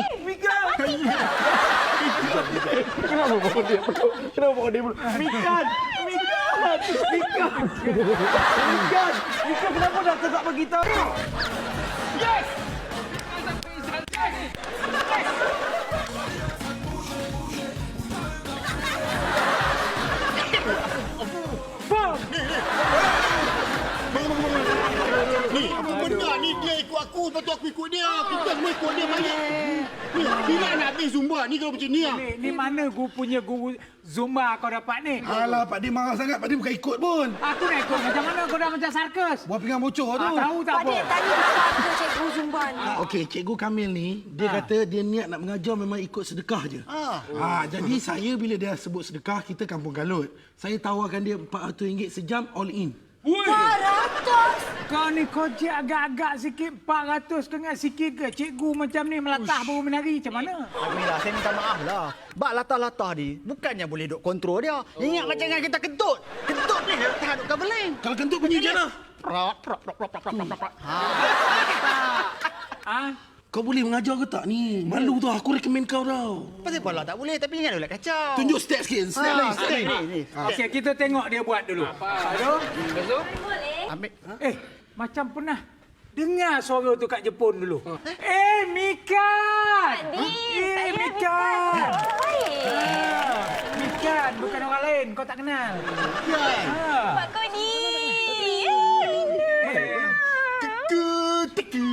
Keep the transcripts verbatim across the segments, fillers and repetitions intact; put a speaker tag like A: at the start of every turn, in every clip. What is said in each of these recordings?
A: Mika! Kenapa bawa dia peluk? Kenapa bawa dia peluk? Mikan! Mikan! Mikan! Mikan! Mikan, kenapa doktor tak bagi tahu? Yes!
B: Ni, apa benda ni? Dia ikut aku, lepas tu aku ikut dia. Kita semua ikut dia balik. Ni, bila nak habis Zumba ni kalau macam ni ah?
C: Ni, ni mana guru punya guru Zumba kau dapat ni?
D: Alah, Pak Din marah sangat. Pak Din bukan ikut pun.
C: Aku nak ikut macam mana kau dah macam sarkas?
D: Buat pinggang bocor tu.
C: Ah, tahu tak
E: Pak
C: apa?
E: Dik, tanya apa cikgu Zumba ni?
D: Okey, Cikgu Kamil ni, dia
C: Ha.
D: kata dia niat nak mengajar memang ikut sedekah je.
B: Ah.
D: Ha, jadi saya bila dia sebut sedekah, kita kampung Galut. Saya tawarkan dia empat ratus ringgit sejam all in.
E: empat ratus!
C: Kau ni kocik agak-agak sikit, empat ratus kena sikit ke? Cikgu macam ni melatah baru menari, macam mana?
F: Mira, saya minta maaf lah. Bak latah-latah ni, bukannya boleh duk kontrol dia. Ingat macam dengan kita kentut. Kentut ni dia tahan duk kabeling.
D: Kalau kentut bunyi je lah.
F: Prok, prok, prok, prok, prok, prok, prok. Ha.
C: Ah,
D: Kau boleh mengajar ke tak ni? Malu tau, aku rekomen kau tau.
F: Pasal pala tak boleh, tapi jangan duk kacau.
D: Tunjuk step sikit, step
F: Ha,
D: lain, step
F: step
D: lain.
F: ni, ni.
C: okey, kita tengok dia buat dulu. Aduh.
E: Boleh?
F: Ambil.
C: Eh, macam pernah dengar suara tu kat Jepun dulu. Eh, Mikan!
E: Pak Dik,
C: Eh,
E: saya
C: Mikan!
E: Mikan. Baik.
C: Ah, Mikan, bukan orang lain. Kau tak kenal.
B: Kan?
C: Ah.
E: Pak Kodi.
B: Teka, teka.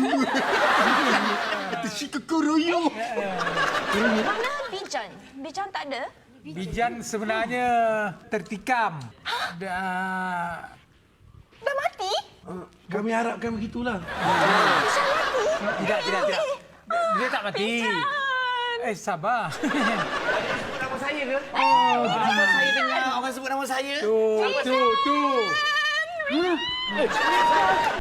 B: Kata si kekoroyo.
E: Mana Bijan? Bijan tak ada?
C: Bijan sebenarnya tertikam. Dah...
E: Dah mati?
D: Ah, kami harapkan begitulah.
E: Bijan mati?
C: Tidak, tidak, tidak. Dia tak mati. Eh, sabar.
A: Nama saya ke?
C: Oh,
A: Kenapa saya dengar orang sebut nama saya?
C: tu, tu, tu.